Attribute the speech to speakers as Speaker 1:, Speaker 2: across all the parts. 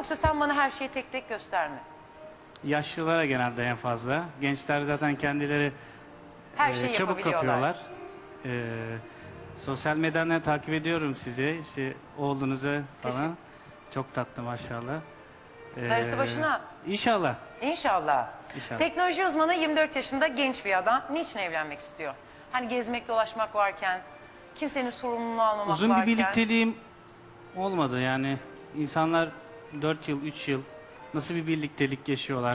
Speaker 1: Yoksa sen bana her şeyi tek tek gösterme.
Speaker 2: Yaşlılara genelde en fazla. Gençler zaten kendileri
Speaker 1: Her şeyi
Speaker 2: çabuk
Speaker 1: yapabiliyorlar.
Speaker 2: kapıyorlar. Sosyal medyadan takip ediyorum sizi. İşte oğlunuzu falan. Çok tatlı maşallah.
Speaker 1: Darısı başına.
Speaker 2: İnşallah.
Speaker 1: İnşallah.
Speaker 2: İnşallah.
Speaker 1: Teknoloji uzmanı 24 yaşında genç bir adam. Niçin evlenmek istiyor? Hani gezmek dolaşmak varken, kimsenin sorumluluğunu almamak
Speaker 2: Uzun
Speaker 1: varken.
Speaker 2: bir birlikteliğim olmadı yani. İnsanlar 4 yıl, 3 yıl nasıl bir birliktelik yaşıyorlar.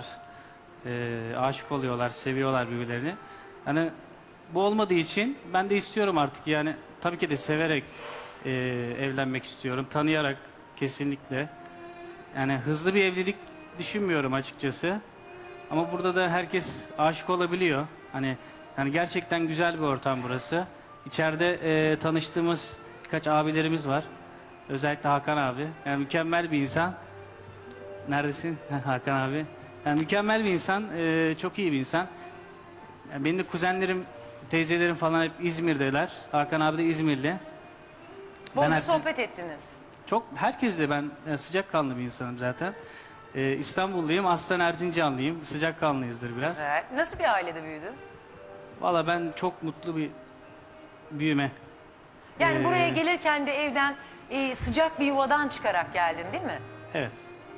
Speaker 2: Aşık oluyorlar, seviyorlar birbirlerini. Hani bu olmadığı için ben de istiyorum artık yani. Tabii ki de severek evlenmek istiyorum. Tanıyarak kesinlikle. Yani hızlı bir evlilik düşünmüyorum açıkçası. Ama burada da herkes aşık olabiliyor. Hani yani gerçekten güzel bir ortam burası. İçeride tanıştığımız birkaç abilerimiz var. Özellikle Hakan abi. Yani mükemmel bir insan. Neredesin Hakan abi? Yani mükemmel bir insan, çok iyi bir insan. Yani benim de kuzenlerim, teyzelerim falan hep İzmir'deler. Hakan abi de İzmirli.
Speaker 1: Bolca sohbet ettiniz.
Speaker 2: Çok herkesle ben sıcakkanlı bir insanım zaten. İstanbulluyum, aslen Erzincanlıyım. Sıcakkanlıyızdır biraz.
Speaker 1: Güzel. Nasıl bir ailede büyüdün?
Speaker 2: Valla ben çok mutlu bir büyüme.
Speaker 1: Yani buraya gelirken de evden sıcak bir yuvadan çıkarak geldin değil mi?
Speaker 2: Evet.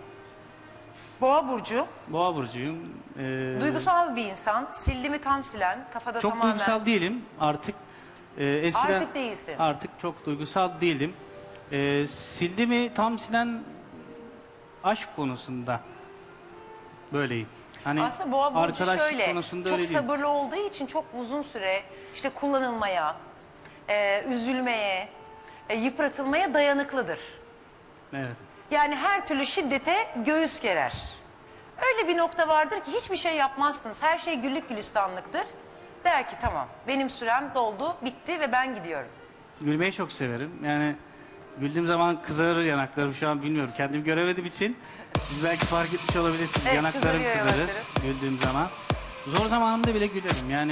Speaker 1: Boğa burcu.
Speaker 2: Boğa burcuyum.
Speaker 1: Duygusal bir insan. Sildi mi tam silen. Kafada
Speaker 2: Çok
Speaker 1: tamamen.
Speaker 2: duygusal değilim artık. Eskiden,
Speaker 1: Artık değilsin.
Speaker 2: Artık çok duygusal değilim. Sildi mi tam silen aşk konusunda böyleyim. Hani
Speaker 1: Aslında boğa burcu
Speaker 2: arkadaşlık
Speaker 1: şöyle.
Speaker 2: konusunda
Speaker 1: Çok
Speaker 2: öyle değilim.
Speaker 1: sabırlı olduğu için çok uzun süre işte kullanılmaya, üzülmeye, yıpratılmaya dayanıklıdır.
Speaker 2: Evet.
Speaker 1: Yani her türlü şiddete göğüs gerer. Öyle bir nokta vardır ki hiçbir şey yapmazsınız. Her şey güllük gülistanlıktır. Der ki tamam benim sürem doldu, bitti ve ben gidiyorum.
Speaker 2: Gülmeyi çok severim. Yani güldüğüm zaman kızarır yanaklarım, şu an bilmiyorum. Kendim göremediğim için siz belki fark etmiş olabilirsiniz.
Speaker 1: Evet,
Speaker 2: yanaklarım
Speaker 1: kızarıyor
Speaker 2: kızarır
Speaker 1: yanakları.
Speaker 2: güldüğüm zaman. Zor zamanımda bile gülerim. Yani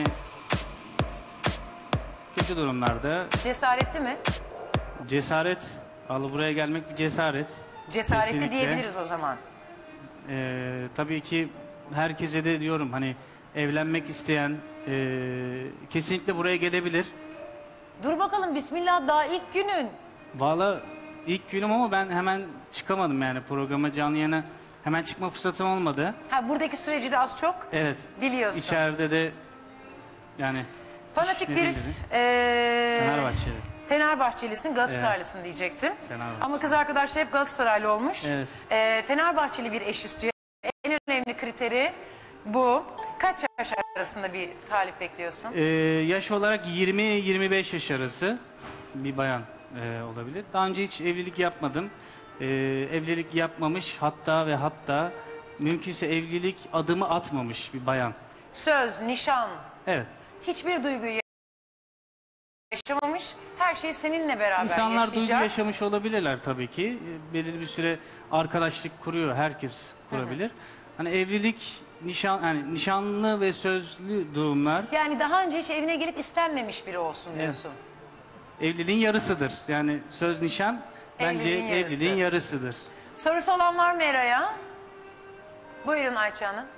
Speaker 2: kötü durumlarda
Speaker 1: Cesaretli mi?
Speaker 2: cesaret, buraya gelmek bir cesaret.
Speaker 1: Cesaretli
Speaker 2: Kesinlikle.
Speaker 1: diyebiliriz o zaman.
Speaker 2: Tabii ki herkese de diyorum hani evlenmek isteyen kesinlikle buraya gelebilir.
Speaker 1: Dur bakalım bismillah daha ilk günün.
Speaker 2: Valla ilk günüm ama ben hemen çıkamadım yani programa, canlı yayına hemen çıkma fırsatım olmadı.
Speaker 1: Ha buradaki süreci de az çok
Speaker 2: Evet.
Speaker 1: biliyorsun.
Speaker 2: İçeride de yani
Speaker 1: Fanatik bir
Speaker 2: Fenerbahçeli.
Speaker 1: Fenerbahçelisin, Galatasaraylısın diyecektim.
Speaker 2: Fenerbahçe.
Speaker 1: Ama kız arkadaşlar hep Galatasaraylı olmuş.
Speaker 2: Evet.
Speaker 1: Fenerbahçeli bir eş istiyor. En önemli kriteri bu. Kaç yaş arasında bir talip bekliyorsun?
Speaker 2: Yaş olarak 20-25 yaş arası bir bayan olabilir. Daha önce hiç evlilik yapmadım. Evlilik yapmamış, hatta mümkünse evlilik adımı atmamış bir bayan.
Speaker 1: Söz, nişan,
Speaker 2: Evet.
Speaker 1: hiçbir duyguyu yaşamamış. Her şey seninle beraber
Speaker 2: İnsanlar
Speaker 1: yaşayacak.
Speaker 2: duygu yaşamış olabilirler tabii ki. Belirli bir süre arkadaşlık kuruyor. Herkes kurabilir. Hani evlilik, nişanlı ve sözlü durumlar
Speaker 1: Yani daha önce hiç evine gelip istenmemiş biri olsun diyorsun.
Speaker 2: evliliğin yarısıdır. Yani söz, nişan bence
Speaker 1: Evliliğin yarısı.
Speaker 2: evliliğin yarısıdır.
Speaker 1: Sorusu olan var mı Eray'a? Buyurun Ayça Hanım.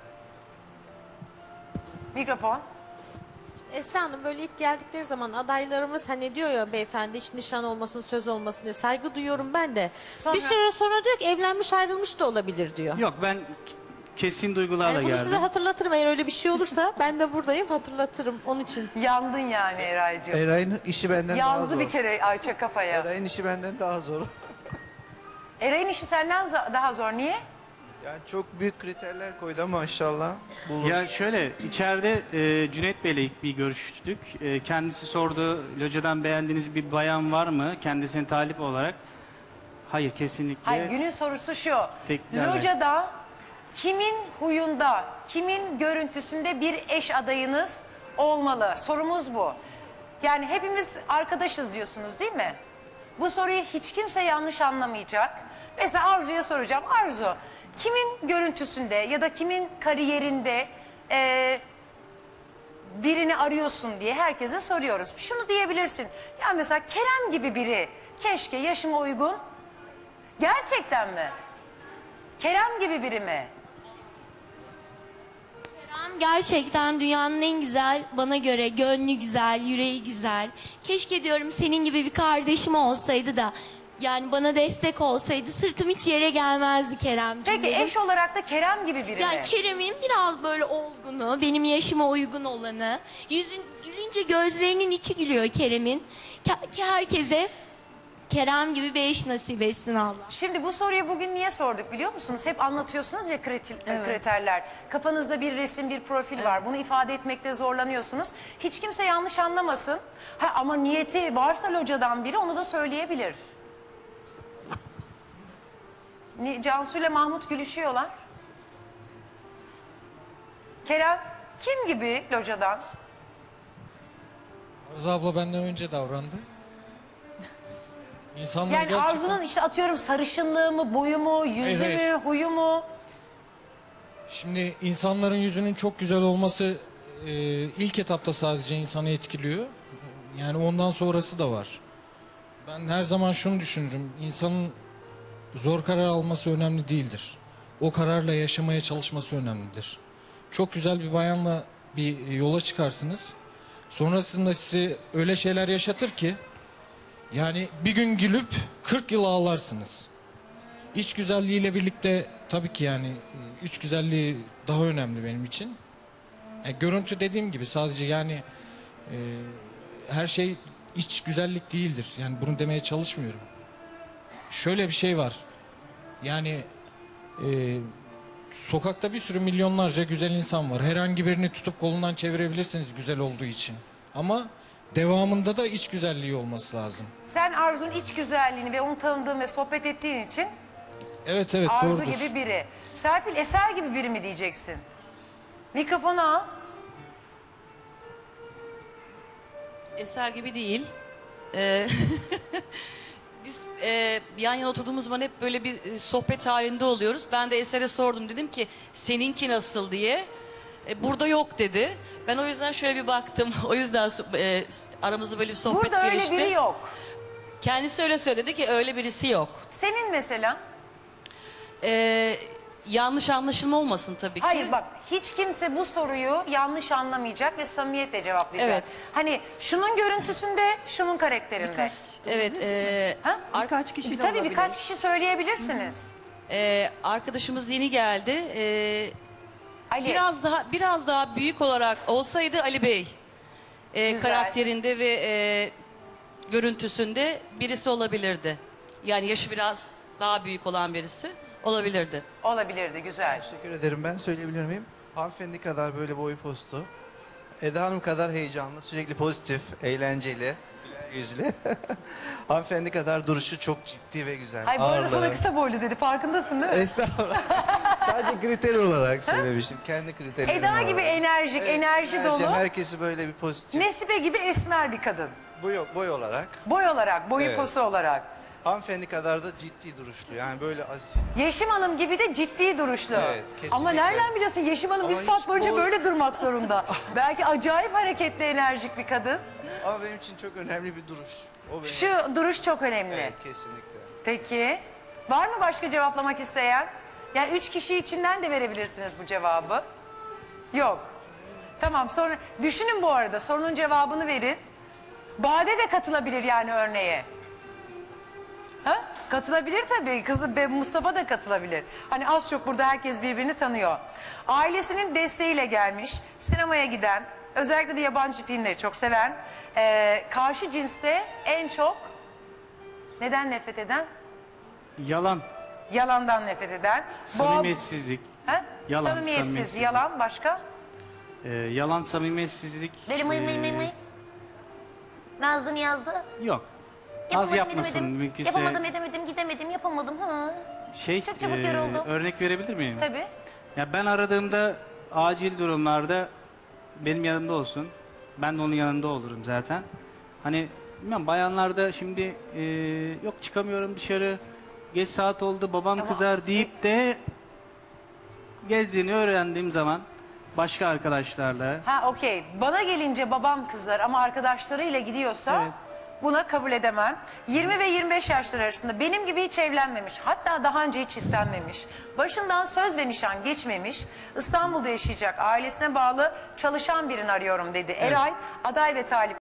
Speaker 1: Mikrofon.
Speaker 3: Esra Hanım böyle ilk geldikleri zaman adaylarımız hani diyor ya beyefendi hiç nişan olmasın söz olmasın diye saygı duyuyorum ben de.
Speaker 1: Sonra-
Speaker 3: Bir süre sonra diyor ki evlenmiş ayrılmış da olabilir diyor.
Speaker 2: Yok, ben kesin duygularla
Speaker 3: Yani bunu
Speaker 2: geldim.
Speaker 3: size hatırlatırım eğer öyle bir şey olursa ben de buradayım hatırlatırım onun için.
Speaker 1: Yandın yani Eray'cığım.
Speaker 4: Eray'ın işi benden daha
Speaker 1: Yazdı
Speaker 4: zor.
Speaker 1: bir kere Ayça kafaya.
Speaker 4: Eray'ın işi benden daha zor.
Speaker 1: Eray'ın işi senden daha zor. Niye?
Speaker 4: Yani çok büyük kriterler koydu ama inşallah bulur.
Speaker 2: Ya şöyle, içeride Cüneyt Bey'le ilk bir görüştük. Kendisi sordu, locadan beğendiğiniz bir bayan var mı? Kendisine talip olarak. Hayır, kesinlikle.
Speaker 1: Hayır, günün sorusu şu.
Speaker 2: Teklerle.
Speaker 1: Locada kimin huyunda, kimin görüntüsünde bir eş adayınız olmalı? Sorumuz bu. Yani hepimiz arkadaşız diyorsunuz değil mi? Bu soruyu hiç kimse yanlış anlamayacak. Mesela Arzu'ya soracağım. Arzu, kimin görüntüsünde ya da kimin kariyerinde birini arıyorsun diye herkese soruyoruz. Şunu diyebilirsin. Ya mesela Kerem gibi biri keşke yaşıma uygun. Gerçekten mi? Kerem gibi biri mi?
Speaker 5: Kerem gerçekten dünyanın en güzel, bana göre gönlü güzel, yüreği güzel. Keşke diyorum senin gibi bir kardeşim olsaydı da yani bana destek olsaydı, sırtım hiç yere gelmezdi Keremciğim.
Speaker 1: Peki
Speaker 5: dedim.
Speaker 1: eş olarak da Kerem gibi biri mi?
Speaker 5: Yani Kerem'in biraz böyle olgunu, benim yaşıma uygun olanı. Yüzün gülünce gözlerinin içi gülüyor Kerem'in. Ki herkese Kerem gibi bir eş nasip etsin Allah.
Speaker 1: Şimdi bu soruyu bugün niye sorduk biliyor musunuz? Hep anlatıyorsunuz ya kriterler. Kafanızda bir resim, bir profil var. Bunu ifade etmekte zorlanıyorsunuz. Hiç kimse yanlış anlamasın. Ha, ama niyeti varsa locadan biri onu da söyleyebilir. Cansu ile Mahmut gülüşüyorlar. Kerem kim gibi locadan?
Speaker 6: Arzu abla benden önce davrandı. İnsanlar
Speaker 1: Yani
Speaker 6: gerçekten...
Speaker 1: Arzu'nun işte atıyorum sarışınlığı mı, boyu mu, yüzü
Speaker 6: Hayır, hayır.
Speaker 1: mü, huyu mu?
Speaker 6: Şimdi insanların yüzünün çok güzel olması ilk etapta sadece insanı etkiliyor. Yani ondan sonrası da var. Ben her zaman şunu düşünürüm. İnsanın zor karar alması önemli değildir. O kararla yaşamaya çalışması önemlidir. Çok güzel bir bayanla bir yola çıkarsınız. Sonrasında sizi öyle şeyler yaşatır ki yani bir gün gülüp 40 yıl ağlarsınız. İç güzelliğiyle birlikte tabii ki yani iç güzelliği daha önemli benim için. Görüntü dediğim gibi sadece yani her şey iç güzellik değildir. Yani bunu demeye çalışmıyorum. Şöyle bir şey var. Yani sokakta bir sürü milyonlarca güzel insan var. Herhangi birini tutup kolundan çevirebilirsiniz güzel olduğu için. Ama devamında da iç güzelliği olması lazım.
Speaker 1: Sen Arzu'nun iç güzelliğini ve onu tanıdığın ve sohbet ettiğin için
Speaker 6: Evet
Speaker 1: Arzu
Speaker 6: doğrudur.
Speaker 1: gibi biri. Serpil Eser gibi biri mi diyeceksin? Mikrofonu al.
Speaker 7: Eser gibi değil. Biz yan yana oturduğumuz zaman hep böyle bir sohbet halinde oluyoruz. Ben de Eser'e sordum, dedim ki seninki nasıl diye. Burada yok dedi. Ben o yüzden şöyle bir baktım. O yüzden aramızda böyle bir sohbet
Speaker 1: Burada öyle
Speaker 7: gelişti.
Speaker 1: biri yok.
Speaker 7: Kendisi öyle söyledi ki öyle birisi yok.
Speaker 1: Senin mesela?
Speaker 7: Yanlış anlaşılma olmasın tabii ki.
Speaker 1: Hayır bak hiç kimse bu soruyu yanlış anlamayacak ve samimiyetle cevaplayacak.
Speaker 7: Evet.
Speaker 1: Hani şunun görüntüsünde, şunun karakterinde.
Speaker 7: Evet.
Speaker 1: Ha?
Speaker 8: Birkaç kişi de
Speaker 1: Tabii
Speaker 8: olabilir.
Speaker 1: birkaç kişi söyleyebilirsiniz.
Speaker 7: Arkadaşımız yeni geldi.
Speaker 1: Ali.
Speaker 7: Biraz daha büyük olarak olsaydı Ali Bey
Speaker 1: Güzel.
Speaker 7: karakterinde ve görüntüsünde birisi olabilirdi. Yani yaşı biraz daha büyük olan birisi olabilirdi.
Speaker 1: Olabilirdi güzel.
Speaker 4: Teşekkür ederim. Ben söyleyebilir miyim? Hanımefendi kadar böyle boy postu. Eda Hanım kadar heyecanlı, sürekli pozitif, eğlenceli, güler yüzlü. Hanımefendi kadar duruşu çok ciddi ve güzel.
Speaker 1: Ay bu arada
Speaker 4: Ağırlığı.
Speaker 1: sana kısa boylu dedi farkındasın değil mi?
Speaker 4: Estağfurullah. Sadece kriter olarak söylemiştim. Kendi kriterlerim
Speaker 1: Eda
Speaker 4: var.
Speaker 1: gibi enerjik, enerji
Speaker 4: enerji,
Speaker 1: dolu.
Speaker 4: Herkesi böyle bir pozitif.
Speaker 1: Nesibe gibi esmer bir kadın.
Speaker 4: Boy olarak.
Speaker 1: Boy olarak, boyu
Speaker 4: Evet.
Speaker 1: posu olarak.
Speaker 4: Hanımefendi kadar da ciddi duruşlu. Yani böyle asil.
Speaker 1: Yeşim Hanım gibi de ciddi duruşlu.
Speaker 4: Evet, kesinlikle.
Speaker 1: Ama nereden biliyorsun Yeşim Hanım
Speaker 4: Ama
Speaker 1: bir saat
Speaker 4: hiç
Speaker 1: boyunca
Speaker 4: bu-
Speaker 1: böyle durmak zorunda. Belki acayip hareketli, enerjik bir kadın.
Speaker 4: Ama benim için çok önemli bir duruş. O benim.
Speaker 1: Şu duruş çok önemli.
Speaker 4: Evet, kesinlikle.
Speaker 1: Peki. Var mı başka cevaplamak isteyen? Yani 3 kişi içinden de verebilirsiniz bu cevabı. Yok. Tamam sonra düşünün bu arada sorunun cevabını verin. Bade de katılabilir yani örneğe. Ha? Katılabilir tabii. Kızı Mustafa da katılabilir. Hani az çok burada herkes birbirini tanıyor. Ailesinin desteğiyle gelmiş, sinemaya giden, özellikle de yabancı filmleri çok seven, karşı cinste en çok neden nefret eden?
Speaker 2: Yalan,
Speaker 1: Yalandan nefret eden.
Speaker 2: samimiyetsizlik,
Speaker 1: Ha?
Speaker 2: Yalan,
Speaker 1: Samimiyetsiz,
Speaker 2: samimiyetsiz.
Speaker 1: yalan başka?
Speaker 2: yalan, samimiyetsizlik
Speaker 5: Nazlı yazdı.
Speaker 2: yok. Az yapmasın mümkünse.
Speaker 5: Yapamadım, edemedim, gidemedim, yapamadım. Ha. Çok çabuk yoruldum.
Speaker 2: Örnek verebilir miyim?
Speaker 1: Tabii.
Speaker 2: Ya ben aradığımda acil durumlarda benim yanımda olsun. Ben de onun yanında olurum zaten. Hani bilmem bayanlarda şimdi yok çıkamıyorum dışarı. Geç saat oldu babam kızar deyip de gezdiğini öğrendiğim zaman başka arkadaşlarla
Speaker 1: Ha okey. Bana gelince babam kızar ama arkadaşlarıyla gidiyorsa
Speaker 2: Evet.
Speaker 1: Buna kabul edemem. 20 ve 25 yaşlar arasında benim gibi hiç evlenmemiş, hatta daha önce hiç istenmemiş, başından söz ve nişan geçmemiş, İstanbul'da yaşayacak, ailesine bağlı çalışan birini arıyorum dedi. Eray, aday ve talip